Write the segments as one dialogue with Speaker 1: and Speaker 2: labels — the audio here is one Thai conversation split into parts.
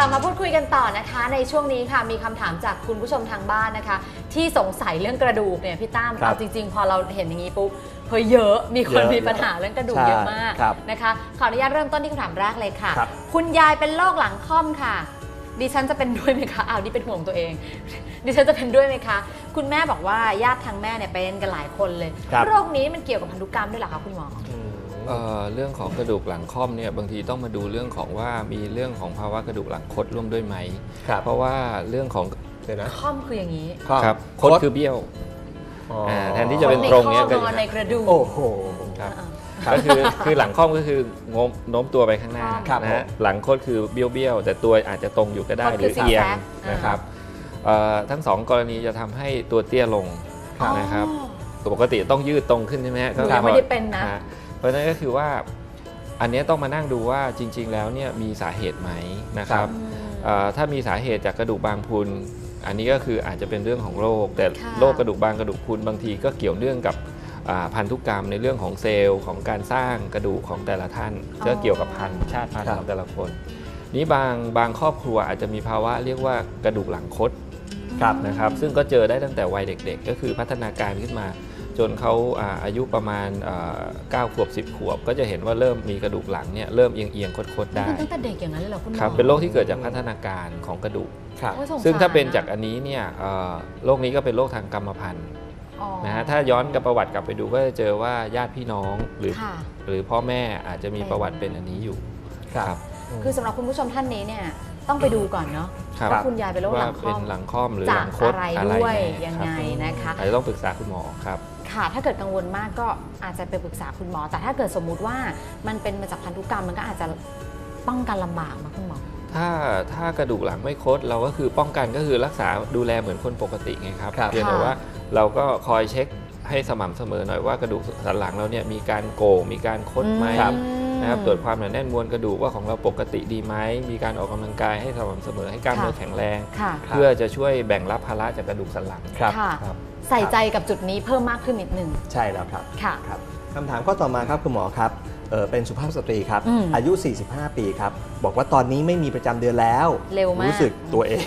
Speaker 1: ลับมาพูดคุยกันต่อนะคะในช่วงนี้ค่ะมีคำถามจากคุณผู้ชมทางบ้านนะคะที่สงสัยเรื่องกระดูกเนี่ยพี่ตั้มเอาจริงๆพอเราเห็นอย่างนี้ปุ๊บเฮ้ยเยอะมีคนมีปัญหาเรื่องกระดูกเยอะมากนะคะขออนุญาตเริ่มต้นที่คำถามแรกเลยค่ะคุณยายเป็นโรคหลังค่อมค่ะดิฉันจะเป็นด้วยไหมคะนี่เป็นห่วงตัวเองดิฉันจะเป็นด้วยไหมคะคุณแม่บอกว่าญาติทางแม่เนี่ยเป็นกันหลายคนเลยโรคนี้มันเกี่ยวกับพันธุกรรมด้วยเหรอคะคุณหมอ
Speaker 2: เรื่องของกระดูกหลังค่อมเนี่ยบางทีต้องมาดูเรื่องของว่ามีเรื่องของภาวะกระดูกหลังคดร่วมด้วยไหมเพราะว่าเรื่องของ
Speaker 1: ค่อมคืออย่างนี้
Speaker 2: ครับคดคือเบี้ยวแทนที่จะเป็นตรงเนี่ย
Speaker 1: ก็ในกระดูก
Speaker 2: โอ้โหครับก็คือหลังค่อมก็คือโน้มตัวไปข้างหน้านะฮะหลังคดคือเบี้ยวแต่ตัวอาจจะตรงอยู่ก็ได้หรือเอียงนะครับทั้งสองกรณีจะทำให้ตัวเตี้ยลงนะครับปกติต้องยืดตรงขึ้นใช่ไหมฮะ
Speaker 1: ก็ไม่ได้เป็นนะ
Speaker 2: เพราะฉะนั้นก็คือว่าอันนี้ต้องมานั่งดูว่าจริงๆแล้วเนี่ยมีสาเหตุไหมนะครับถ้ามีสาเหตุจากกระดูกบางพรุนอันนี้ก็คืออาจจะเป็นเรื่องของโรคแต่โรคกระดูกบางกระดูกพรุนบางทีก็เกี่ยวเนื่องกับพันธุกรรมในเรื่องของเซลล์ของการสร้างกระดูกของแต่ละท่านก็เกี่ยวกับชาติพันธุ์ของแต่ละคนนี้บางครอบครัวอาจจะมีภาวะเรียกว่ากระดูกหลังคดนะครับซึ่งก็เจอได้ตั้งแต่วัยเด็กๆก็คือพัฒนาการขึ้นมาจนเขาอายุประมาณ9 ขวบ 10 ขวบก็จะเห็นว่าเริ่มมีกระดูกหลังเนี่ยเริ่มเอียงๆคดๆได้
Speaker 1: ตั้งแต่เด็กอย่างนั้นเลยเหรอคุณหมอ
Speaker 2: ครับเป็นโรคที่เกิดจากพัฒนาการของกระดูกซึ่งถ้าเป็นจากอันนี้เนี่ยโรคนี้ก็เป็นโรคทางกรรมพันธุ์นะฮะถ้าย้อนกับประวัติกลับไปดูก็จะเจอว่าญาติพี่น้องหรือพ่อแม่อาจจะมีประวัติเป็นอันนี้อยู่ครับ
Speaker 1: คือสำหรับคุณผู้ชมท่านนี้เนี่ยต้องไปดูก่อนเนาะว่าคุณยายเป็นโรคหลังค่อม
Speaker 2: หรือหลังคด
Speaker 1: อะไรด้วยยังไงนะคะ
Speaker 2: อาจจะต้องปรึกษาคุณหมอครับ
Speaker 1: ค่ะถ้าเกิดกังวลมากก็อาจจะไปปรึกษาคุณหมอแต่ถ้าเกิดสมมุติว่ามันเป็นมาจากพันธุกรรมมันก็อาจจะป้องกันลำบากนะคุณหมอ
Speaker 2: ถ้ากระดูกหลังไม่คดเราก็คือป้องกันก็คือรักษาดูแลเหมือนคนปกติไงครับเพียงแต่ว่าเราก็คอยเช็คให้สม่ำเสมอหน่อยว่ากระดูกสันหลังเราเนี่ยมีการโก่งมีการคดไหมนะครับตรวจความหนาแน่นมวลกระดูกว่าของเราปกติดีไหมมีการออกกำลังกายให้สม่ำเสมอให้กล้ามเนื้อแข็งแรงเพื่อจะช่วยแบ่งรับภาระจากกระดูกสันหลัง
Speaker 1: ครับใส่ใจกับจุดนี้เพิ่มมากขึ้นนิดนึง
Speaker 3: ใช่แล้วครับคำถามข้อต่อมาครับคุณหมอครับเป็นสุภาพสตรีครับอายุ 45 ปีครับบอกว่าตอนนี้ไม่มีประจำเดือนแล้ว
Speaker 1: เร็วมาก
Speaker 3: รู้สึกตัวเอง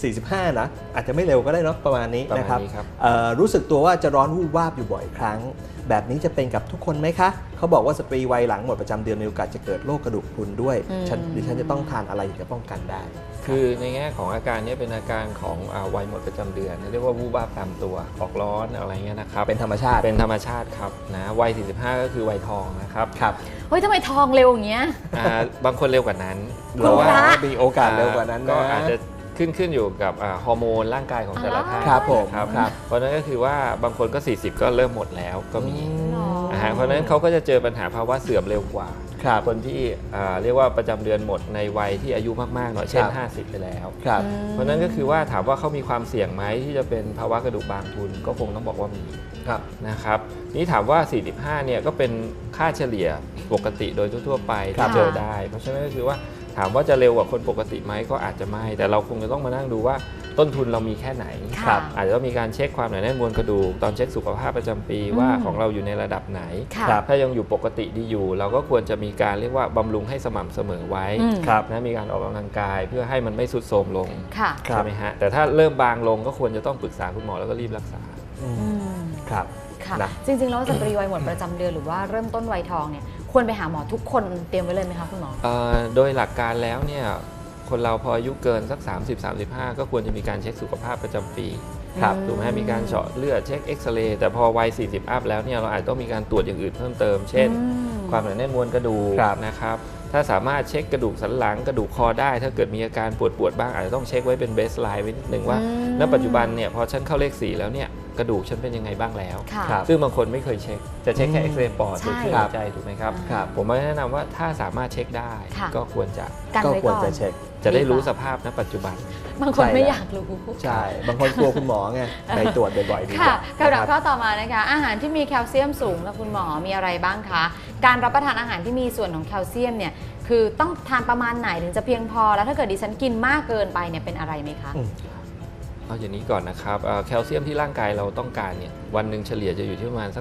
Speaker 3: 45 นะอาจจะไม่เร็วก็ได้เนาะประมาณนี้นะครับรู้สึกตัวว่าจะร้อนวูบวาบอยู่บ่อยครั้งแบบนี้จะเป็นกับทุกคนไหมคะเขาบอกว่าสตรีวัยหลังหมดประจำเดือนมีโอกาสจะเกิดโรคกระดูกพรุนด้วยดิฉันจะต้องทานอะไรถึงจะป้องกันได้
Speaker 2: คือในแง่ของอาการนี้เป็นอาการของวัยหมดประจำเดือนเรียกว่าวูบวาบตามตัวออกร้อนอะไรเงี้ยนะครับ
Speaker 3: เป็นธรรมชาติ
Speaker 2: ครับนะวัย 45 ก็คือวัยทองนะครับ
Speaker 1: เฮ้ยทำไมทองเร็วอย่างเงี้ย
Speaker 2: บางคนเร็วกว่านั้น
Speaker 1: หรือว่า
Speaker 3: มีโอกาสเร็วกว่านั้น
Speaker 2: ก็อาจจะขึ้นอยู่กับฮอร์โมนร่างกายของแต่ละท่าน
Speaker 3: ครับผม
Speaker 2: เพราะนั้นก็คือว่าบางคนก็40ก็เริ่มหมดแล้วก็มีเพราะนั้นเขาก็จะเจอปัญหาภาวะเสื่อมเร็วกว่าคนที่เรียกว่าประจำเดือนหมดในวัยที่อายุมากๆหน่อยเช่น50ไปแล้วเพราะนั้นก็คือว่าถามว่าเขามีความเสี่ยงไหมที่จะเป็นภาวะกระดูกบางพรุนก็คงต้องบอกว่ามีนะครับนี่ถามว่า45เนี่ยก็เป็นค่าเฉลี่ยปกติโดยทั่วๆไปที่เจอได้เพราะฉะนั้นก็คือว่าถามว่าจะเร็วกว่าคนปกติไหมก็อาจจะไม่แต่เราคงจะต้องมานั่งดูว่าต้นทุนเรามีแค่ไหนอาจจะต้องมีการเช็คความหนาแน่นมวลกระดูกตอนเช็คสุขภาพประจำปีว่าของเราอยู่ในระดับไหนถ้ายังอยู่ปกติดีอยู่เราก็ควรจะมีการเรียกว่าบำรุงให้สม่ำเสมอไว้นะมีการออกกำลังกายเพื่อให้มันไม่ทรุดโทรมลงใช่ไหมฮะแต่ถ้าเริ่มบางลงก็ควรจะต้องปรึกษาคุณหมอแล้วก็รีบรักษา
Speaker 3: ครับ
Speaker 1: จริงๆแล้วสตรีวัยหมดประจำเดือนหรือว่าเริ่มต้นวัยทองเนี่ยควรไปหาหมอทุกคนเตรียมไว้เลยไหมคะคุณหมอ
Speaker 2: โดยหลักการแล้วเนี่ยคนเราพออายุเกินสัก30-35ก็ควรจะมีการเช็คสุขภาพประจำปีถูกไหมมีการเจาะเลือดเช็คเอ็กซเรย์แต่พอวัย40อัพแล้วเนี่ยเราอาจต้องมีการตรวจอย่างอื่นเพิ่มเติมเช่นความหนาแน่นมวลกระดูกนะครับถ้าสามารถเช็คกระดูกสันหลังกระดูกคอได้ถ้าเกิดมีอาการปวดบ้างอาจจะต้องเช็คไว้เป็นเบสไลน์ไว้นิดนึงว่าณปัจจุบันเนี่ยพอฉันเข้าเลข4แล้วเนี่ยกระดูกฉันเป็นยังไงบ้างแล้วซึ่งบางคนไม่เคยเช็คจะเช็คแค่เอ็กซเรย์ปอดหรือเครื่องหัวใจถูกไหมครับผมแนะนำว่าถ้าสามารถเช็คได้ก็ควรจะ
Speaker 3: เช็ค
Speaker 2: จะได้รู้สภาพณปัจจุบัน
Speaker 1: บางคนไม่อยากรู้
Speaker 3: ใช่บางคนกลัวคุณหมอไงไปตรวจบ่อยๆดีกว่า
Speaker 1: คำถามข้อต่อมานะคะอาหารที่มีแคลเซียมสูงนะคุณหมอมีอะไรบ้างคะการรับประทานอาหารที่มีส่วนของแคลเซียมเนี่ยคือต้องทานประมาณไหนถึงจะเพียงพอแล้วถ้าเกิดดิฉันกินมากเกินไปเนี่ยเป็นอะไรไหมคะ
Speaker 2: เอาอย่างนี้ก่อนนะครับแคลเซียมที่ร่างกายเราต้องการเนี่ยวันหนึ่งเฉลี่ยจะอยู่ที่ประมาณสัก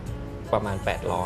Speaker 2: ประมาณ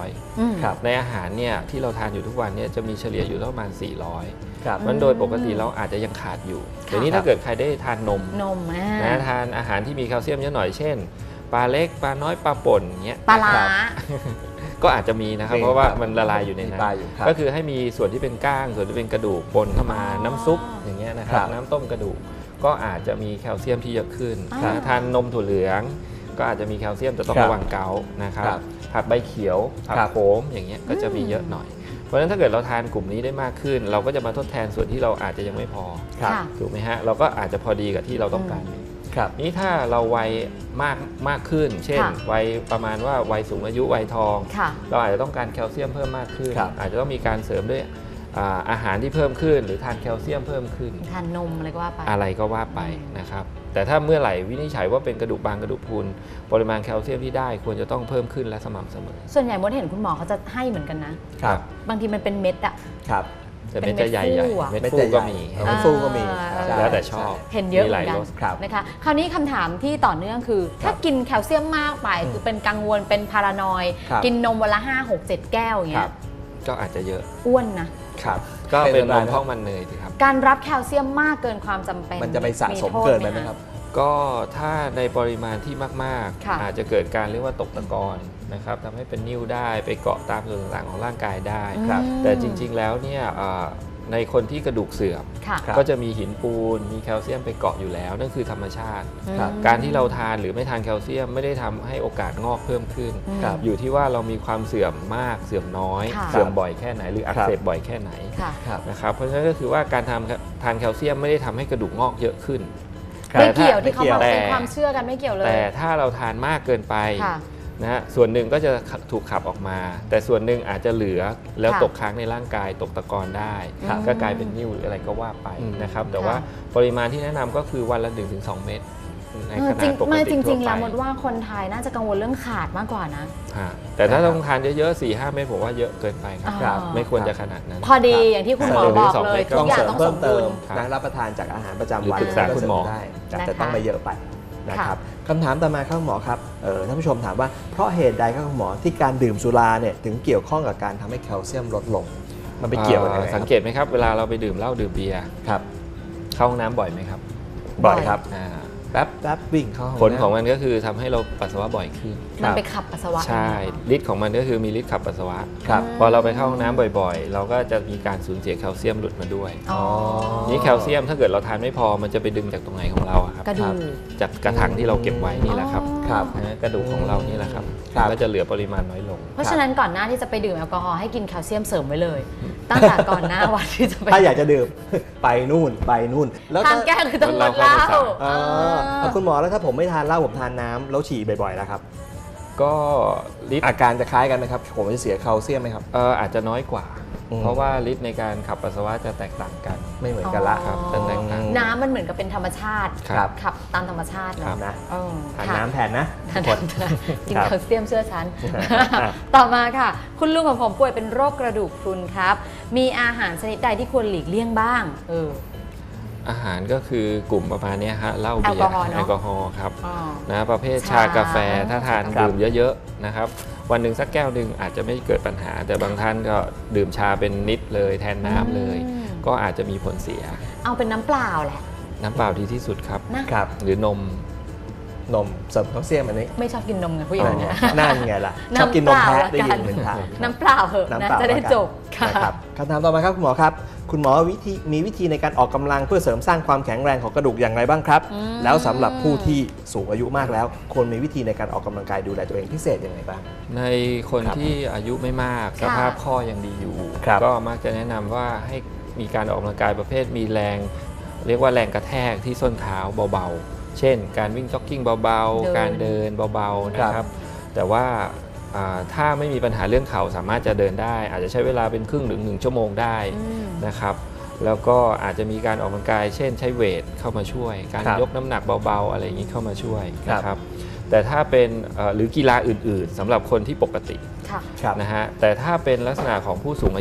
Speaker 2: 800
Speaker 3: ครับ
Speaker 2: ในอาหารเนี่ยที่เราทานอยู่ทุกวันเนี่ยจะมีเฉลี่ยอยู่ประมาณ 400
Speaker 3: ครับ
Speaker 2: มันโดยปกติเราอาจจะยังขาดอยู่เดี๋ยวนี้ถ้าเกิดใครได้ทานนมนะทานอาหารที่มีแคลเซียมเยอะหน่อยเช่นปลาเล็กปลาน้อยปลาป่นเงี้ย
Speaker 1: ปลาร้า
Speaker 2: ก็อาจจะมีนะครับเพราะว่ามันละลายอยู่ในนั้น
Speaker 3: ครับ
Speaker 2: ก็คือให้มีส่วนที่เป็นก้างส่วนที่เป็นกระดูกปนเข้ามาน้ำซุปอย่างเงี้ยนะครับน้ำต้มกระดูกก็อาจจะมีแคลเซียมที่เยอะขึ้นนะทานนมถั่วเหลืองก็อาจจะมีแคลเซียมแต่ต้องระวังเกาต์นะครับผักใบเขียวผักโขมอย่างเงี้ยก็จะมีเยอะหน่อยเพราะฉะนั้นถ้าเกิดเราทานกลุ่มนี้ได้มากขึ้น เราก็จะมาทดแทนส่วนที่เราอาจจะยังไม่พอถูกไหมฮะเราก็อาจจะพอดีกับที่เราต้องการนี้ถ้าเราวัยมากขึ้นเช่นวัยประมาณว่าวัยสูงอายุวัยทองเราอาจจะต้องการแคลเซียมเพิ่มมากขึ้นอาจจะต้องมีการเสริมด้วยอาหารที่เพิ่มขึ้นหรือทานแคลเซียมเพิ่มขึ้น
Speaker 1: ทานนมอะไรก็ว่าไป
Speaker 2: นะครับแต่ถ้าเมื่อไหร่วินิจฉัยว่าเป็นกระดูกบางกระดูกพรุนปริมาณแคลเซียมที่ได้ควรจะต้องเพิ่มขึ้นและสม่ำเสมอ
Speaker 1: ส่วนใหญ่มดเห็นคุณหมอเขาจะให้เหมือนกันนะครับบางทีมันเป็นเม็ดอะ
Speaker 3: ครับ
Speaker 2: แต่เม็ดจะใหญ่ๆเม็ดฟูก็มี
Speaker 3: เม็ดฟูก็มี
Speaker 2: แล้วแต่ชอบ
Speaker 1: เห็นเยอะเหมือนกันนะคะคราวนี้คำถามที่ต่อเนื่องคือถ้ากินแคลเซียมมากไปคือเป็นกังวลเป็นพารานอยกินนมวันละ5 6 7 แก้วอย่างเงี้ย
Speaker 2: ก็อาจจะเยอะ
Speaker 1: อ้วนนะครับ
Speaker 2: ก็เป็นนมพอกมันเนยสิครับ
Speaker 1: การรับแคลเซียมมากเกินความจำเป็น
Speaker 3: มันจะไปสะสมเกินไปไหมครับ
Speaker 2: ก็ถ้าในปริมาณที่มากๆอาจจะเกิดการเรียกว่าตกตะกอนนะครับทำให้เป็นนิ่วได้ไปเกาะตามส่วนต่างๆของร่างกายได้แต่จริงๆแล้วเนี่ยในคนที่กระดูกเสื่อมก็จะมีหินปูนมีแคลเซียมไปเกาะอยู่แล้วนั่นคือธรรมชาติการที่เราทานหรือไม่ทานแคลเซียมไม่ได้ทำให้โอกาสงอกเพิ่มขึ้นอยู่ที่ว่าเรามีความเสื่อมมากเสื่อมน้อยเสื่อมบ่อยแค่ไหนหรืออักเสบบ่อยแค่ไหนนะครับเพราะฉะนั้นก็คือว่าการทานแคลเซียมไม่ได้ทำให้กระดูกงอกเยอะขึ้น
Speaker 1: ไม่เกี่ยวที่เขาบอกเป็นความเชื่อกันไม่เกี่ยวเลย
Speaker 2: แต่ถ้าเราทานมากเกินไปนะฮะส่วนหนึ่งก็จะถูกขับออกมาแต่ส่วนหนึ่งอาจจะเหลือแล้วตกค้างในร่างกายตกตะกอนได้ก็กลายเป็นนิ่วหรืออะไรก็ว่าไปนะครับแต่ว่าปริมาณที่แนะนำก็คือวันละ 1-2 เม็ดในขนาดปกติทั่วไป
Speaker 1: จริงๆแล้วมดว่าคนไทยน่าจะกังวลเรื่องขาดมากกว่านะ
Speaker 2: แต่ถ้าต้องทานเยอะๆ 4-5 เม็ดผมว่าเยอะเกินไปครับไม่ควรจะขนาดนั้น
Speaker 1: พอดีอย่างที่คุณหมอบอกเลยทุกอย่างต้องสมดุล
Speaker 3: รับประทานจากอาหารประจำวัน
Speaker 2: ปรึกษาคุณหมอ
Speaker 3: ได้แต่ต้องไม่เยอะไปนะครับคำถามต่อมาครับหมอครับท่านผู้ชมถามว่าเพราะเหตุใดครับหมอที่การดื่มสุราเนี่ยถึงเกี่ยวข้องกับการทำให้แคลเซียมลดลงมันไปเกี่ยวกันยังไง
Speaker 2: สังเกตไหมครับเวลาเราไปดื่มเหล้าดื่มเบียร์
Speaker 3: ครับ
Speaker 2: เข้าห้องน้ำบ่อยไหมครับ
Speaker 3: บ่อยครับแป๊บวิ่งเข้า
Speaker 2: ผลของมันก็คือทำให้เราปัสสาวะบ่อยขึ้น
Speaker 1: มันไปขับปัสสาวะ
Speaker 2: ใช่ฤทธิ์ของมันก็คือมีฤทธิ์ขับปัสสาวะพอเราไปเข้าห้องน้ำบ่อยๆเราก็จะมีการสูญเสียแคลเซียมหลุดมาด้วยนี่แคลเซียมถ้าเกิดเราทานไม่พอมันจะไปดึงจากตรงไหนของเราครับจากกระถางที่เราเก็บไว้นี่แหละครับกระดูกของเรานี่แหละครับก็จะเหลือปริมาณน้อยลง
Speaker 1: เพราะฉะนั้นก่อนหน้าที่จะไปดื่มแอลกอฮอล์ให้กินแคลเซียมเสริมไว้เลยตั้งแต่ก่อนหน้าวันที่จะไป
Speaker 3: ถ้าอยากจะดื่มไปนู่น
Speaker 1: แล้วทานแก้คือต้องงดเหล้า
Speaker 3: คุณหมอแล้วถ้าผมไม่ทานเหล้าผมทานน้ำแล้วฉี่บ่อยๆแล้วครับ
Speaker 2: ก็
Speaker 3: อาการจะคล้ายกันไหมครับผมจะเสียแคลเซียมไหมครับ
Speaker 2: อาจจะน้อยกว่าเพราะว่าฤทธิ์ในการขับปัสสาวะจะแตกต่างกัน
Speaker 3: ไม่เหมือนกันละ
Speaker 2: ครับจะแตกต่าง
Speaker 1: น้ำมันเหมือนกับเป็นธรรมชาติขับตามธรรมชาติ
Speaker 3: นะทานน้ำแทนนะ
Speaker 1: กินแคลเซียมเชื่อฉันต่อมาค่ะคุณลุงของผมป่วยเป็นโรคกระดูกพรุนครับมีอาหารชนิดใดที่ควรหลีกเลี่ยงบ้าง
Speaker 2: อาหารก็คือกลุ่มประมาณนี้ฮะเหล้าเบียร์แอลกอฮอล์ครับนะประเภทชากาแฟถ้าทานดื่มเยอะๆนะครับวันหนึ่งสักแก้วหนึ่งอาจจะไม่เกิดปัญหาแต่บางท่านก็ดื่มชาเป็นนิดเลยแทนน้ำเลยก็อาจจะมีผลเสีย
Speaker 1: เอาเป็นน้ำเปล่าแหละ
Speaker 2: น้ำเปล่าดีที่สุดครับหรือนม
Speaker 3: เสริมแคลเซียมอันนี้
Speaker 1: ไม่ชอบกินนมไงผู้หญิงเนี่ย
Speaker 3: นั่นไงล่ะชอบกินนมแพะได้ยินเหมือนกัน
Speaker 1: น้ำเปล่าเหอะนะจะได้จบ
Speaker 3: ครับคำถามต่อมาครับคุณหมอครับคุณหมอมีวิธีในการออกกำลังเพื่อเสริมสร้างความแข็งแรงของกระดูกอย่างไรบ้างครับแล้วสำหรับผู้ที่สูงอายุมากแล้วควรมีวิธีในการออกกำลังกายดูแลตัวเองพิเศษยังไงบ้าง
Speaker 2: ในคนที่อายุไม่มากสภาพข้อยังดีอยู่ก็มักจะแนะนำว่าให้มีการออกกำลังกายประเภทมีแรงเรียกว่าแรงกระแทกที่ส้นเท้าเบาๆเช่นการวิ่งจ็อกกิ้งเบาๆการเดินเบาๆนะครับแต่ว่าถ้าไม่มีปัญหาเรื่องเข่าสามารถจะเดินได้อาจจะใช้เวลาเป็นครึ่งถึง1 ชั่วโมงได้นะครับแล้วก็อาจจะมีการออกกำลังกายเช่นใช้เวทเข้ามาช่วยการยกน้ำหนักเบาๆอะไรอย่างนี้เข้ามาช่วยนะครับแต่ถ้าเป็นหรือกีฬาอื่นๆสำหรับคนที่ปกตินะฮะแต่ถ้าเป็นลักษณะของผู้สูงอายุ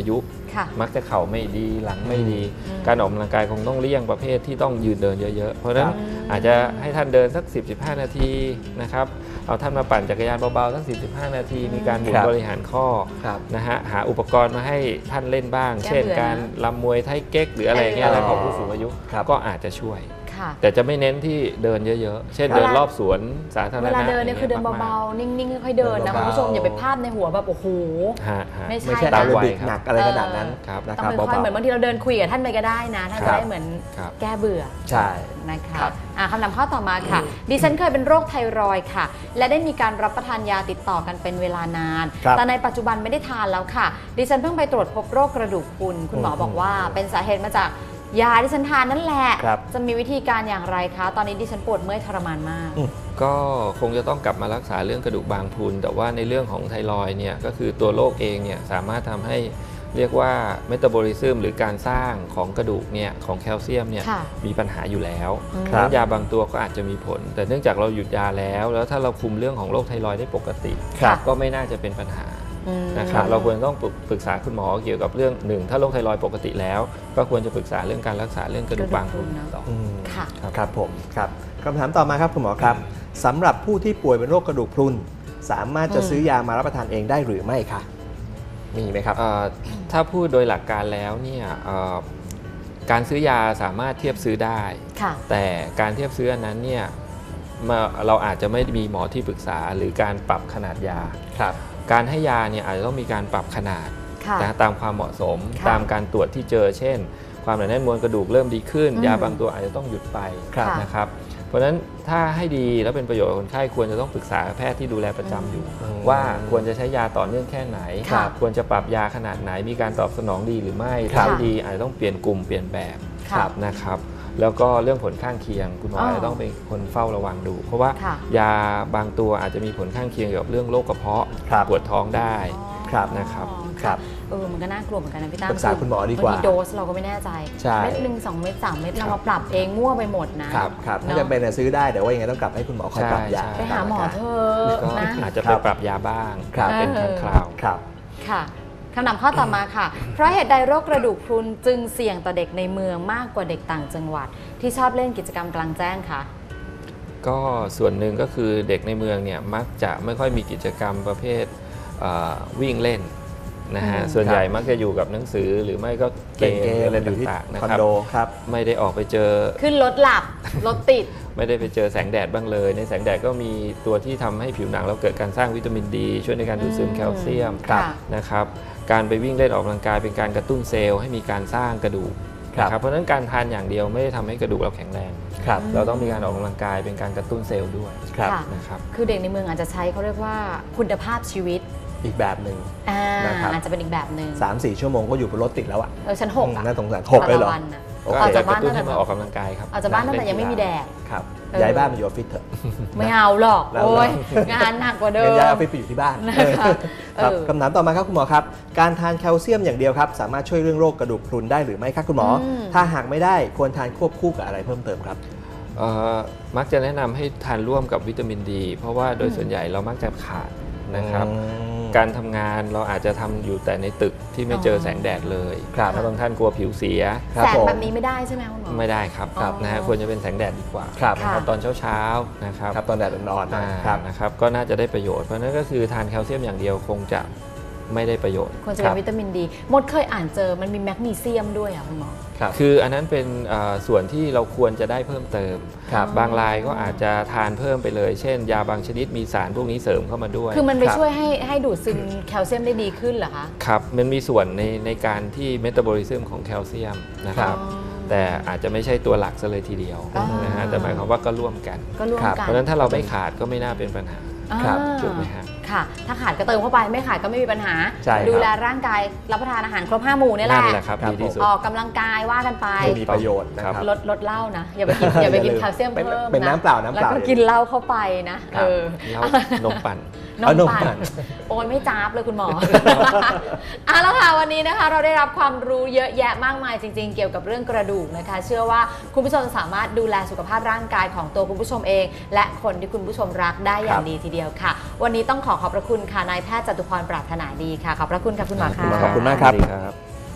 Speaker 1: ค่ะ
Speaker 2: มักจะเข่าไม่ดีหลังไม่ดี การออกกำลังกายคงต้องเลี่ยงประเภทที่ต้องยืนเดินเยอะๆเพราะฉะนั้นอาจจะให้ท่านเดินสัก 10-15 นาทีนะครับเอาท่านมาปั่นจักรยานเบาๆสัก 10-15 นาทีมีการหมุนบริหารข้อนะฮะหาอุปกรณ์มาให้ท่านเล่นบ้าง เช่นการลำมวยไทเก๊กหรืออะไรเงี้ยอะไรของผู้สูงอายุก็อาจจะช่วยแต่จะไม่เน้นที่เดินเยอะๆเช่นเดินรอบสวนสาธารณะ
Speaker 1: เวลาเดินเนี่ยคือเดินเบาๆนิ่งๆค่อยๆเดินนะคุณผู้ชมอย่าไปพลาดในหัวแบบโอ้โหไม่ใช่
Speaker 3: ตามระบิดหนักอะไรขนาดนั้นนะค
Speaker 1: ต้
Speaker 3: รั
Speaker 1: อบ งค่อยๆเหมือนบางทีเราเดินคุยกับท่านไปก็ได้นะท่านจะได้เหมือนแก้เบื่อ
Speaker 3: ใช่
Speaker 1: นะคะคำถามข้อต่อมาค่ะดิฉันเคยเป็นโรคไทรอยด์ค่ะและได้มีการรับประทานยาติดต่อกันเป็นเวลานานแต่ในปัจจุบันไม่ได้ทานแล้วค่ะดิฉันเพิ่งไปตรวจพบโรคกระดูกพรุนคุณหมอบอกว่าเป็นสาเหตุมาจากยาที่ฉันทานนั่นแหละจะมีวิธีการอย่างไรคะตอนนี้ดิฉันปวดเมื่อยทรมานมาก
Speaker 2: ก็คงจะต้องกลับมารักษาเรื่องกระดูกบางพรุนแต่ว่าในเรื่องของไทรอยด์เนี่ยก็คือตัวโรคเองเนี่ยสามารถทำให้เรียกว่าเมตาบอลิซึมหรือการสร้างของกระดูกเนี่ยของแคลเซียมเนี่ยมีปัญหาอยู่แล้วยาบางตัวก็อาจจะมีผลแต่เนื่องจากเราหยุดยาแล้วถ้าเราคุมเรื่องของโรคไทรอยด์ได้ปกติก็ไม่น่าจะเป็นปัญหานะครับเราควรต้องปรึกษาคุณหมอเกี่ยวกับเรื่องหนึ่งถ้าโรคไทรอยด์ปกติแล้วก็ควรจะปรึกษาเรื่องการรักษาเรื่องกระดูกบางพรุนต่อ
Speaker 3: ครับผมครับคำถามต่อมาครับคุณหมอครับสำหรับผู้ที่ป่วยเป็นโรคกระดูกพรุนสามารถจะซื้อยามารับประทานเองได้หรือไม่คะมีไหมครับ
Speaker 2: ถ้าพูดโดยหลักการแล้วเนี่ยการซื้อยาสามารถเทียบซื้อได้แต่การเทียบซื้ออันนั้นเนี่ยเราอาจจะไม่มีหมอที่ปรึกษาหรือการปรับขนาดยาการให้ยาเนี่ยอาจจะต้องมีการปรับขนาดนะตามความเหมาะสมตามการตรวจที่เจอเช่นความหนาแน่นมวลกระดูกเริ่มดีขึ้นยาบางตัวอาจจะต้องหยุดไปนะครับเพราะฉะนั้นถ้าให้ดีแล้วเป็นประโยชน์กับคนไข้ควรจะต้องปรึกษาแพทย์ที่ดูแลประจำอยู่ว่าควรจะใช้ยาต่อเนื่องแค่ไหนควรจะปรับยาขนาดไหนมีการตอบสนองดีหรือไม่ถ้าไม่ดีอาจจะต้องเปลี่ยนกลุ่มเปลี่ยนแบบนะครับแล้วก็เรื่องผลข้างเคียงคุณหมอจะต้องเป็นคนเฝ้าระวังดูเพราะว่ายาบางตัวอาจจะมีผลข้างเคียงเกี่ยวกับเรื่องโรคกระเพาะปวดท้องได้นะครับ
Speaker 1: มันก็น่ากลัวเหมือนกันนะพี่ตั้ม
Speaker 3: ปรึกษาคุณหมอดีกว่า
Speaker 1: โดสเราก็ไม่แน่ใจเม็ด1 2 เม็ด3 เม็ดเรามาปรับเองมั่วไปหมดนะครับ
Speaker 3: ถ้าจะเป็นซื้อได้แต่ว่ายังไงต้องกลับให้คุณหมอคอยปรับยา
Speaker 1: ไปหาหมอเถอะนะ
Speaker 2: อาจจะไปปรับยาบ้างเป็นครั้งคราว
Speaker 1: ค่ะคำถามข้อต่อมาค่ะเพราะเหตุใดโรคกระดูกพรุนจึงเสี่ยงต่อเด็กในเมืองมากกว่าเด็กต่างจังหวัดที่ชอบเล่นกิจกรรมกลางแจ้งคะ
Speaker 2: ก็ส่วนหนึ่งก็คือเด็กในเมืองเนี่ยมักจะไม่ค่อยมีกิจกรรมประเภทวิ่งเล่นนะฮะส่วนใหญ่มักจะอยู่กับหนังสือหรือไม่ก็เกมอะไรต่างๆนะครับไม่ได้ออกไปเจอ
Speaker 1: ขึ้นรถหลับรถติด
Speaker 2: ไม่ได้ไปเจอแสงแดดบ้างเลยในแสงแดดก็มีตัวที่ทำให้ผิวหนังเราเกิดการสร้างวิตามินดีช่วยในการดูดซึมแคลเซียมนะครับการไปวิ่งเล่นออกกำลังกายเป็นการกระตุ้นเซลล์ให้มีการสร้างกระดูกนะครับเพราะฉะนั้นการทานอย่างเดียวไม่ได้ทำให้กระดูกเราแข็งแรงเราต้องมีการออกกำลังกายเป็นการกระตุ้นเซลล์ด้วยนะครับ
Speaker 1: คือเด็กในเมืองอาจจะใช้เขาเรียกว่าคุณภาพชีวิต
Speaker 3: อีกแบบหนึ่ง
Speaker 1: นะครับอาจจะเป็นอีกแบบหนึ่ง
Speaker 3: 3-4 ชั่วโมงก็อยู่บนรถติดแล้วอ่ะ
Speaker 1: ชั้น6อ่ะ
Speaker 3: น่าสงสาร6เลยเหรอ
Speaker 2: ออกจากบ้านนั่นมาออกกำลังกายครับ
Speaker 1: ออกจากบ้านนั่นแต่ยังไม่มีแดด
Speaker 3: ครับย้ายบ้านมาอยู่ออฟฟิศเถอะ
Speaker 1: ไม่เอาหรอกโอ้ยงานหนักกว่าเดิม
Speaker 3: ย้ายออฟฟิศไปอยู่ที่บ้านครับคำถามต่อมาครับคุณหมอครับการทานแคลเซียมอย่างเดียวครับสามารถช่วยเรื่องโรคกระดูกพรุนได้หรือไม่ครับคุณหมอถ้าหากไม่ได้ควรทานควบคู่กับอะไรเพิ่มเติมครับ
Speaker 2: มักจะแนะนำให้ทานร่วมกับวิตามินดีเพราะว่าโดยส่วนใหญ่เรามักจะขาดนะครับการทำงานเราอาจจะทำอยู่แต่ในตึกที่ไม่เจอแสงแดดเลยแล้วบางท่านกลัวผิวเสีย
Speaker 1: แสงแบบนี้ไม่ได้ใช่ไหมคุณหมอ
Speaker 2: ไม่ได้ครับนะฮะควรจะเป็นแสงแดดดีกว่านะครับตอนเช้าๆนะครับ
Speaker 3: ตอนแดดอ่อนๆ
Speaker 2: นะครับก็น่าจะได้ประโยชน์เพราะนั้นก็คือทานแคลเซียมอย่างเดียวคงจะไม่ได้ประโยชน์
Speaker 1: ควรจะเป็นวิตามินดีมดเคยอ่านเจอมันมีแมกนีเซียมด้วยอ่ะคุณหมอ
Speaker 2: คืออันนั้นเป็นส่วนที่เราควรจะได้เพิ่มเติมบางรายก็อาจจะทานเพิ่มไปเลยเช่นยาบางชนิดมีสารพวกนี้เสริมเข้ามาด้วย
Speaker 1: คือมันไปช่วยให้ดูดซึมแคลเซียมได้ดีขึ้นเหรอคะ
Speaker 2: ครับมันมีส่วนในการที่เมตาบอลิซึมของแคลเซียมนะครับแต่อาจจะไม่ใช่ตัวหลักซะเลยทีเดียวนะฮะแต่หมายความว่าก็ร่วมกันเพราะฉะนั้นถ้าเราไม่ขาดก็ไม่น่าเป็นปัญหาถูกไหมครับ
Speaker 1: ค่ะถ้าขาดก็เติมเข้าไปไม่ขาดก็ไม่มีปัญหาดูแลร่างกายรับประทานอาหารครบ5 หมู่นี่แหละออกกำลังกายว่ากันไป
Speaker 3: มีประโยชน์นะครับ
Speaker 1: ลดเหล้านะอย่าไปกินแคลเซียมเพิ่มนะ
Speaker 3: เป็นน้ำเปล่าแล้ว
Speaker 1: ก็กินเหล้าเข้าไปนะ
Speaker 2: นมปั่น
Speaker 1: โอนไม่จ้าบเลยคุณหมอแล้วค่ะวันนี้นะคะเราได้รับความรู้เยอะแยะมากมายจริงๆเกี่ยวกับเรื่องกระดูกนะคะเชื่อว่าคุณผู้ชมสามารถดูแลสุขภาพร่างกายของตัวคุณผู้ชมเองและคนที่คุณผู้ชมรักได้อย่างดีทีเดียวค่ะวันนี้ต้องขอบพระคุณค่ะนายแพทย์จตุพรปรารถนาดีค่ะขอบพระคุณค่ะคุณหมอค่ะ
Speaker 3: ขอบคุณมากครับ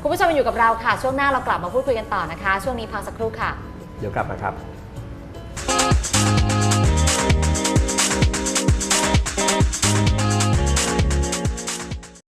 Speaker 1: คุณผู้ชมอยู่กับเราค่ะช่วงหน้าเรากลับมาพูดคุยกันต่อนะคะช่วงนี้พักสักครู่ค่ะ
Speaker 3: เดี๋ยวกลับมาครับ